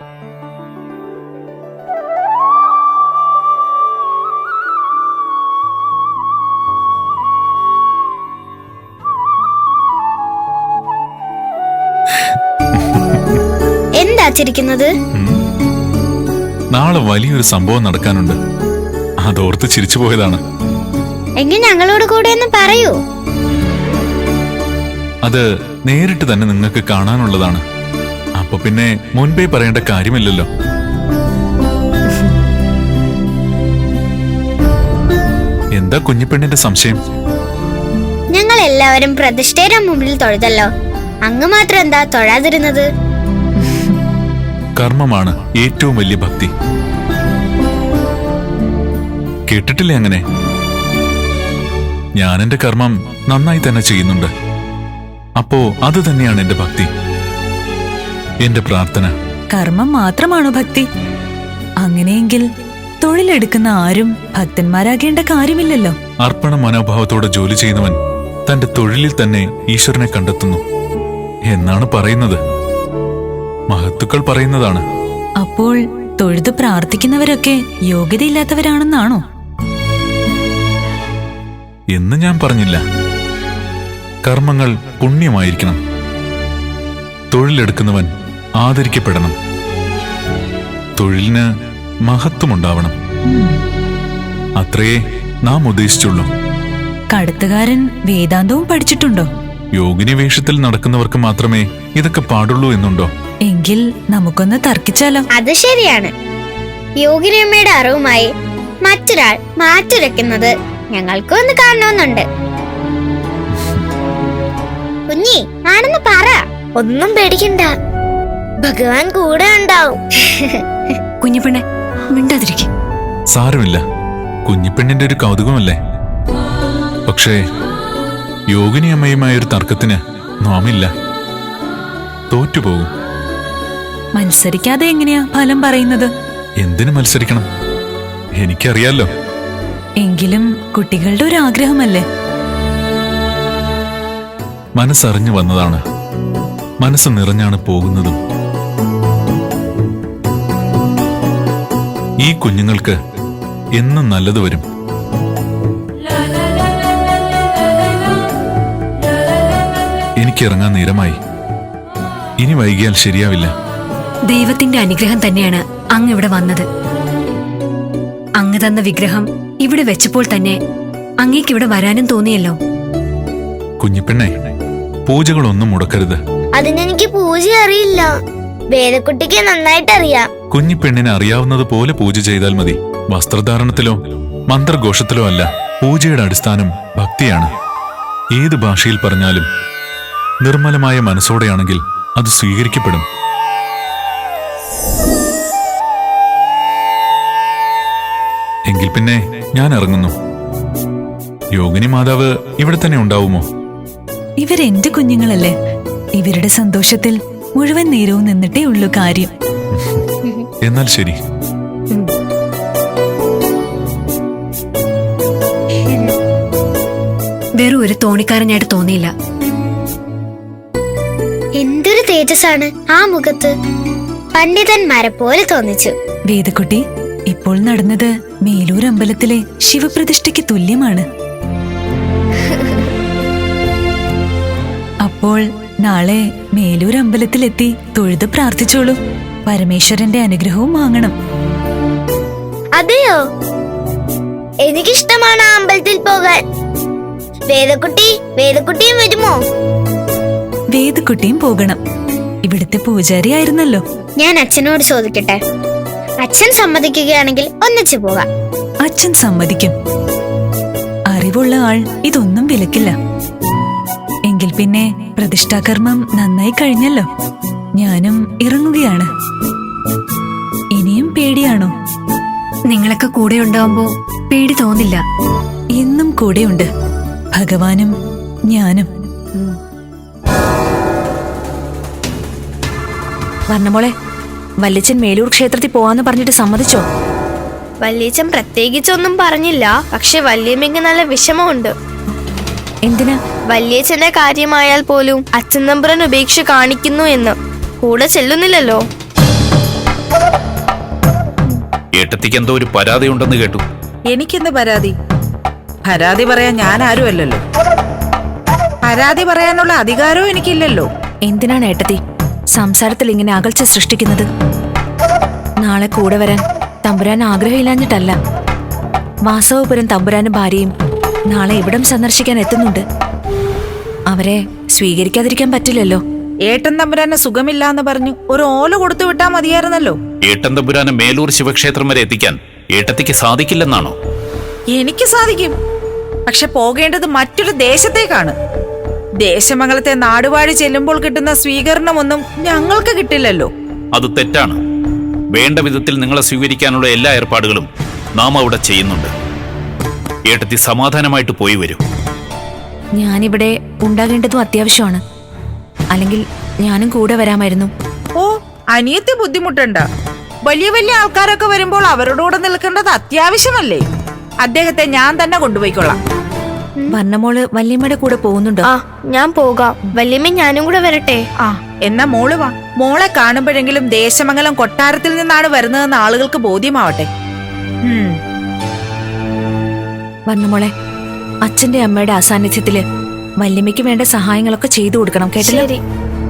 എന്താ ചിരിക്കുന്നത്? നാളെ വലിയൊരു സംഭവം നടക്കാനുണ്ട്, അതോർത്ത് ചിരിച്ചു പോയതാണ്. എങ്കിൽ ഞങ്ങളോട് കൂടെ ഒന്ന് പറയൂ. അത് നേരിട്ട് തന്നെ നിങ്ങൾക്ക് കാണാനുള്ളതാണ്. അപ്പൊ പിന്നെ മുൻപേ പറയേണ്ട കാര്യമില്ലല്ലോ. എന്താ കുഞ്ഞിപ്പെണ്ണിന്റെ സംശയം? ഞങ്ങൾ എല്ലാവരും പ്രതിഷ്ഠയുടെ മുമ്പിൽ തൊഴുതല്ലോ, അങ്ങ് മാത്രം എന്താ തൊഴാതിരുന്നത്? കർമ്മമാണ് ഏറ്റവും വലിയ ഭക്തി. കേട്ടിട്ടില്ലേ അങ്ങനെ? ഞാൻ എന്റെ കർമ്മം നന്നായി തന്നെ ചെയ്യുന്നുണ്ട്. അപ്പോ അത് തന്നെയാണ് എന്റെ ഭക്തി, എന്റെ പ്രാർത്ഥന. കർമ്മം മാത്രമാണോ ഭക്തി? അങ്ങനെയെങ്കിൽ തൊഴിലെടുക്കുന്ന ആരും ഭക്തന്മാരാകേണ്ട കാര്യമില്ലല്ലോ. അർപ്പണ മനോഭാവത്തോടെ ജോലി ചെയ്യുന്നവൻ തന്റെ തൊഴിലിൽ തന്നെ ഈശ്വരനെ കണ്ടെത്തുന്നു എന്നാണ് പറയുന്നത്. മഹത്തുക്കൾ പറയുന്നതാണ്. അപ്പോൾ തൊഴുത് പ്രാർത്ഥിക്കുന്നവരൊക്കെ യോഗ്യതയില്ലാത്തവരാണെന്നാണോ? എന്ന് ഞാൻ പറഞ്ഞില്ല. കർമ്മങ്ങൾ പുണ്യമായിരിക്കണം. തൊഴിലെടുക്കുന്നവൻ ആദരിക്കപ്പെടണം. തൊഴിലിന് മഹത്വമുണ്ടാവണം. അത്രയേ നാം ഉദ്ദേശിച്ചുള്ളൂ. കടത്തുകാരൻ വേദാന്തവും പഠിച്ചിട്ടുണ്ടോ? യോഗിനി വേഷത്തിൽ നടക്കുന്നവർക്ക് മാത്രമേ ഇതൊക്കെ പാടുള്ളൂ എന്നുണ്ടോ? എങ്കിൽ നമുക്കൊന്ന് തർക്കിച്ചാലോ? അത് ശരിയാണ്. യോഗിനിയമ്മയുടെ അറിവുമായി മറ്റൊരാൾ മാറ്റുരയ്ക്കുന്നത് ഞങ്ങൾക്ക് ഒന്ന് കാണണമെന്നുണ്ട്. കുഞ്ഞി, ആണെന്ന് പറ. ഒന്നും പേടിക്കണ്ട, ഭഗവാൻ കൂടെ ഉണ്ടാവും. കുഞ്ഞിപ്പെണ്ണെ, മിണ്ടാതിരിക്കും. സാരമില്ല, കുഞ്ഞിപ്പെണ്ണിന്റെ ഒരു കൗതുകമല്ലേ. പക്ഷേ യോഗിനി അമ്മയുമായൊരു തർക്കത്തിന് നാമില്ല, തോറ്റുപോകും. മത്സരിക്കാതെ എങ്ങനെയാ ഫലം പറയുന്നത്? എന്തിനു മത്സരിക്കണം? എനിക്കറിയാലോ. എങ്കിലും കുട്ടികളുടെ ഒരു ആഗ്രഹമല്ലേ? മനസ്സറിഞ്ഞു വന്നതാണ്, മനസ്സ് നിറഞ്ഞാണ് പോകുന്നതും. ഈ കുഞ്ഞുങ്ങൾക്ക് എന്നും നല്ലത് വരും. എനിക്കിറങ്ങാൻ നേരമായി. ഇനി വൈകിയാൽ ശരിയാവില്ല. ദൈവത്തിന്റെ അനുഗ്രഹം തന്നെയാണ് അങ്ങ് ഇവിടെ വന്നത്. അങ്ങ് തന്ന വിഗ്രഹം ഇവിടെ വെച്ചപ്പോൾ തന്നെ അങ്ങേക്ക് ഇവിടെ വരാനും തോന്നിയല്ലോ. കുഞ്ഞിപ്പെണ്ണെ, പൂജകളൊന്നും മുടക്കരുത്. അതിനെനിക്ക് പൂജ അറിയില്ല. വേദക്കുട്ടിക്ക് നന്നായിട്ട് അറിയാം. കുഞ്ഞിപ്പെണ്ണിനെ അറിയാവുന്നത് പോലെ പൂജ ചെയ്താൽ മതി. വസ്ത്രധാരണത്തിലോ മന്ത്രഘോഷത്തിലോ അല്ല. പൂജയുടെ അടിസ്ഥാനം ഭക്തിയാണ്. ഏത് ഭാഷയിൽ പറഞ്ഞാലും നിർമ്മലമായ മനസ്സോടെയാണെങ്കിൽ അത് സ്വീകരിക്കപ്പെടും. എങ്കിൽ പിന്നെ ഞാൻ ഇറങ്ങുന്നു. യോഗിനി മാതാവ് ഇവിടെ തന്നെ ഉണ്ടാവുമോ? ഇവരെന്റെ കുഞ്ഞുങ്ങളല്ലേ. ഇവരുടെ സന്തോഷത്തിൽ മുഴുവൻ നേരവും നിന്നിട്ടേ ഉള്ളൂ കാര്യം. എന്നാൽ ശരി. വെറും ഒരു തോണിക്കാരനായിട്ട് തോന്നിയില്ല. എന്തൊരു തേജസ്സാണ് ആ മുഖത്ത്. പണ്ഡിതന്മാരെ പോലെ തോന്നിച്ചു. വേദക്കുട്ടി, ഇപ്പോൾ നടന്നത് മേലൂർ അമ്പലത്തിലെ ശിവപ്രതിഷ്ഠയ്ക്ക് തുല്യമാണ്. അപ്പോൾ നാളെ മേലൂർ അമ്പലത്തിലെത്തി തൊഴുത് പ്രാർത്ഥിച്ചോളൂ. പരമേശ്വരന്റെ അനുഗ്രഹവും വാങ്ങണം. അതെയോ? എനിക്കിഷ്ടമാണ് ആ അമ്പലത്തിൽ പോകാൻ. വേദക്കുട്ടിയും വരുമോ? വേദക്കുട്ടിയും പോകണം. ഇവിടുത്തെ പൂജാരി ആയിരുന്നല്ലോ. ഞാൻ അച്ഛനോട് ചോദിക്കട്ടെ. അച്ഛൻ സമ്മതിക്കുകയാണെങ്കിൽ ഒന്നിച്ചു പോകാം. അച്ഛൻ സമ്മതിക്കും. അറിവുള്ള ആൾ ഇതൊന്നും വിലക്കില്ല. എങ്കിൽ പിന്നെ പ്രതിഷ്ഠാകർമ്മം നന്നായി കഴിഞ്ഞല്ലോ. ഞാനും ഇറങ്ങുകയാണ്. ഇനിയും പേടിയാണോ? നിങ്ങളൊക്കെ കൂടെ ഉണ്ടാവുമ്പോ പേടി തോന്നില്ല. എന്നും കൂടെയുണ്ട് ഭഗവാനും ഞാനും. വർണ്ണമോളെ, വല്യച്ഛൻ മേലൂർ ക്ഷേത്രത്തിൽ പോവാന്ന് പറഞ്ഞിട്ട് സമ്മതിച്ചോ? വല്യച്ഛൻ പ്രത്യേകിച്ചൊന്നും പറഞ്ഞില്ല. പക്ഷെ വല്യമ്മയ്ക്ക് നല്ല വിഷമമുണ്ട്. എന്തിനാ? വല്യച്ഛന്റെ കാര്യമായാൽ പോലും അച്ഛൻ നമ്പുറൻ ഉപേക്ഷ കാണിക്കുന്നു എന്ന്. കൂടെ ചെല്ലുന്നില്ലല്ലോ. ഏട്ടത്തിക്ക് എന്തോ ഒരു പരാതി ഉണ്ടെന്ന് കേട്ടു. എനിക്കെന്ത് പരാതി? പരാതി പറയാൻ ഞാൻ ആരുമല്ലല്ലോ. പരാതി പറയാനുള്ള അധികാരവും എനിക്കില്ലല്ലോ. എന്തിനാണ് ഏട്ടത്തി സംസാരത്തിൽ ഇങ്ങനെ അകൽച്ച സൃഷ്ടിക്കുന്നത്? നാളെ കൂടെ വരാൻ തമ്പുരാൻ ആഗ്രഹമില്ലാഞ്ഞിട്ടല്ല. വാസവപുരം തമ്പുരാനും ഭാര്യയും നാളെ ഇവിടം സന്ദർശിക്കാൻ എത്തുന്നുണ്ട്. അവരെ സ്വീകരിക്കാതിരിക്കാൻ പറ്റില്ലല്ലോ. ഏട്ടൻ തമ്പുരാന് സുഖമില്ലാന്ന് പറഞ്ഞു ഒരു ഓല കൊടുത്തു വിട്ടാ മതിയായിരുന്നല്ലോ. ഏട്ടൻ തമ്പുരാനെ മേലൂർ ശിവക്ഷേത്രം വരെ എത്തിക്കാൻ ഏട്ടത്തിക്ക് സാധിക്കില്ലെന്നാണോ? എനിക്ക് സാധിക്കും. പക്ഷെ പോകേണ്ടത് മറ്റൊരു ദേശത്തേക്കാണ്. ദേശമംഗലത്തെ നാടുവാഴി ചെല്ലുമ്പോൾ കിട്ടുന്ന സ്വീകരണമൊന്നും ഞങ്ങൾക്ക് കിട്ടില്ലല്ലോ. അത് തെറ്റാണ്. വേണ്ട വിധത്തിൽ നിങ്ങളെ സ്വീകരിക്കാനുള്ള എല്ലാ ഏർപ്പാടുകളും നാം അവിടെ ചെയ്യുന്നുണ്ട്. ഏട്ടത്തി സമാധാനമായിട്ട് പോയി വരൂ. ഞാനിവിടെ ഉണ്ടാകേണ്ടതും അത്യാവശ്യമാണ്. അല്ലെങ്കിൽ ഞാനും കൂടെ വരാമായിരുന്നു. ഓ, അനിയത്തി ബുദ്ധിമുട്ടണ്ട. വലിയ വലിയ ആൾക്കാരൊക്കെ വരുമ്പോൾ അവരുടെ കൂടെ നിൽക്കേണ്ടത് അത്യാവശ്യമല്ലേ? അദ്ദേഹത്തെ ഞാൻ തന്നെ കൊണ്ടുപോയിക്കൊള്ളാം. വർണ്ണമോള് വല്യമ്മയുടെ കൂടെ പോകുന്നുണ്ടോ? ആ, ഞാൻ പോകാം. വല്യമ്മ ഞാനും കൂടെ വരട്ടെ? ആ, എന്നാ മോള് വാ. മോളെ കാണുമ്പോഴെങ്കിലും ദേശമംഗലം കൊട്ടാരത്തിൽ നിന്നാണ് വരുന്നതെന്ന് ആളുകൾക്ക് ബോധ്യമാവട്ടെ. വർണ്ണമോളെ, അച്ഛന്റെ അമ്മയുടെ അസാന്നിധ്യത്തില് വല്യമ്മയ്ക്ക് വേണ്ട സഹായങ്ങളൊക്കെ ചെയ്തു കൊടുക്കണം, കേട്ടില്ലേ? ശരി.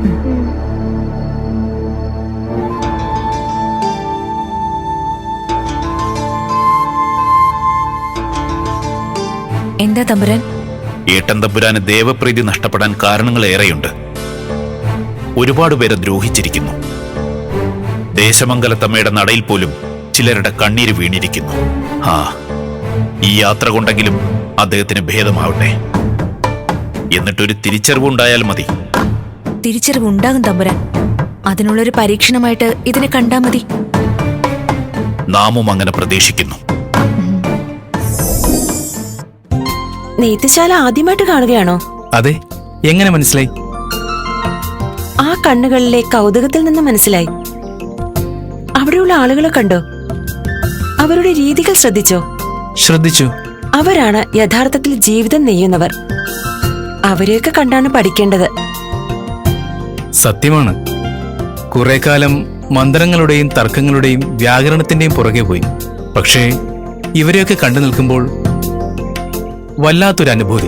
എന്താ തമ്പുരാൻ? ഏട്ടൻ തമ്പുരാന് ദേവപ്രീതി നഷ്ടപ്പെടാൻ കാരണങ്ങൾ ഏറെയുണ്ട്. ഒരുപാട് പേരെ ദ്രോഹിച്ചിരിക്കുന്നു. ദേശമംഗലത്തമ്മയുടെ നടയിൽ പോലും ചിലരുടെ കണ്ണീര് വീണിരിക്കുന്നു. ആ, ഈ യാത്ര കൊണ്ടെങ്കിലും അദ്ദേഹത്തിന് ഭേദമാവട്ടെ. എന്നിട്ടൊരു തിരിച്ചറിവുണ്ടായാൽ മതി. തിരിച്ചറിവുണ്ടാകും തമ്പുരാൻ. അതിനുള്ളൊരു പരീക്ഷണമായിട്ട് ഇതിനെ കണ്ടാ മതി. നാമും അങ്ങനെ പ്രതീക്ഷിക്കുന്നു. നെയ്ത്തുശാല ആദ്യമായിട്ട് കാണുകയാണോ? അതെ. എങ്ങനെ മനസ്സിലായി? ആ കണ്ണുകളിലെ കൗതുകത്തിൽ നിന്ന് മനസ്സിലായി. അവിടെയുള്ള ആളുകളെ കണ്ടോ? അവരുടെ രീതികൾ ശ്രദ്ധിച്ചോ? ശ്രദ്ധിച്ചു. അവരാണ് യഥാർത്ഥത്തിൽ ജീവിതം നെയ്യുന്നവർ. അവരെയൊക്കെ കണ്ടാണ് പഠിക്കേണ്ടത്. സത്യമാണ്. കുറെ കാലം മന്ത്രങ്ങളുടെയും തർക്കങ്ങളുടെയും വ്യാകരണത്തിന്റെയും പുറകെ പോയി. പക്ഷേ ഇവരെയൊക്കെ കണ്ടു നിൽക്കുമ്പോൾ വല്ലാത്തൊരു അനുഭൂതി.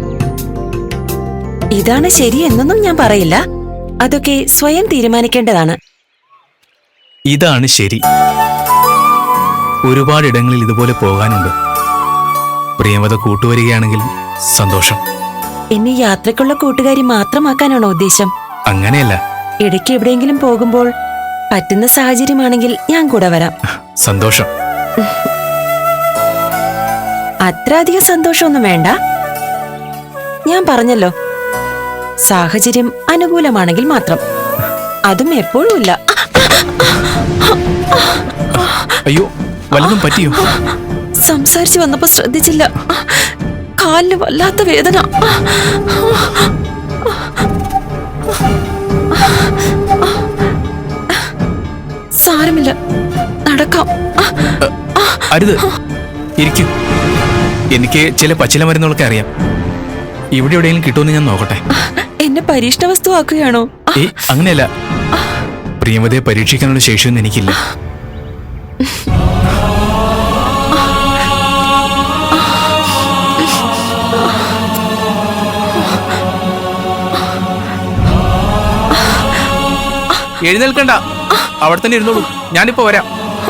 ഇതാണ് ശരിയെന്നൊന്നും ഞാൻ പറയില്ല. അതൊക്കെ സ്വയം തീരുമാനിക്കേണ്ടതാണ്. ഇതാണ് ശരി. ഒരുപാടിടങ്ങളിൽ ഇതുപോലെ പോകാനുണ്ട്. പ്രിയമത കൂട്ടുവരികയാണെങ്കിൽ സന്തോഷം. എന്നെ യാത്രക്കുള്ള കൂട്ടുകാരി മാത്രമാക്കാനാണോ ഉദ്ദേശം? അങ്ങനെയല്ല. ഇടയ്ക്ക് എവിടെയെങ്കിലും പോകുമ്പോൾ പറ്റുന്ന സാഹചര്യമാണെങ്കിൽ ഞാൻ കൂടെ വരാം. സന്തോഷം. അത്ര അധികം സന്തോഷമൊന്നും വേണ്ട. ഞാൻ പറഞ്ഞല്ലോ, സാഹചര്യം അനുകൂലമാണെങ്കിൽ മാത്രം. അതും എപ്പോഴും ഇല്ല. അയ്യോ, വല്ലതും പറ്റിയോ? സംസാരിച്ചു വന്നപ്പോ ശ്രദ്ധിച്ചില്ല. കാലിന് വല്ലാത്ത വേദന. സാരമില്ല, നടക്കാം. അരുത്, ഇരിക്കൂ. എനിക്ക് ചില പച്ചില മരുന്നുകളൊക്കെ അറിയാം. ഇവിടെ എവിടെയെങ്കിലും കിട്ടുമെന്ന് ഞാൻ നോക്കട്ടെ. എന്നെ പരീക്ഷണ വസ്തുവാക്കുകയാണോ? അങ്ങനെയല്ല. പ്രിയമതയെ പരീക്ഷിക്കാനുള്ള ശേഷിയൊന്നും എനിക്കില്ല. എഴുന്നേൽക്കണ്ട, അവിടെ തന്നെ ഇരുന്നോളൂ. ഞാനിപ്പോ വരാം.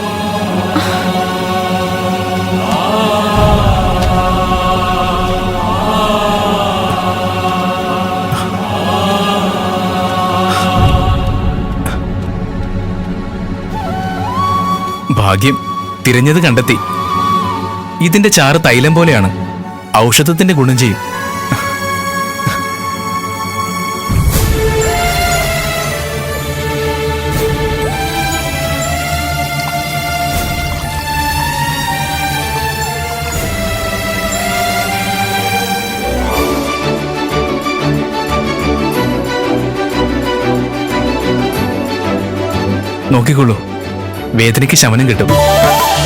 ഭാഗ്യം, തിരഞ്ഞത് കണ്ടെത്തി. ഇതിന്റെ ചാറ് തൈലം പോലെയാണ്. ഔഷധത്തിന്റെ ഗുണം ചെയ്യും. നോക്കിക്കൊള്ളൂ, വേദനയ്ക്ക് ശമനം കിട്ടും.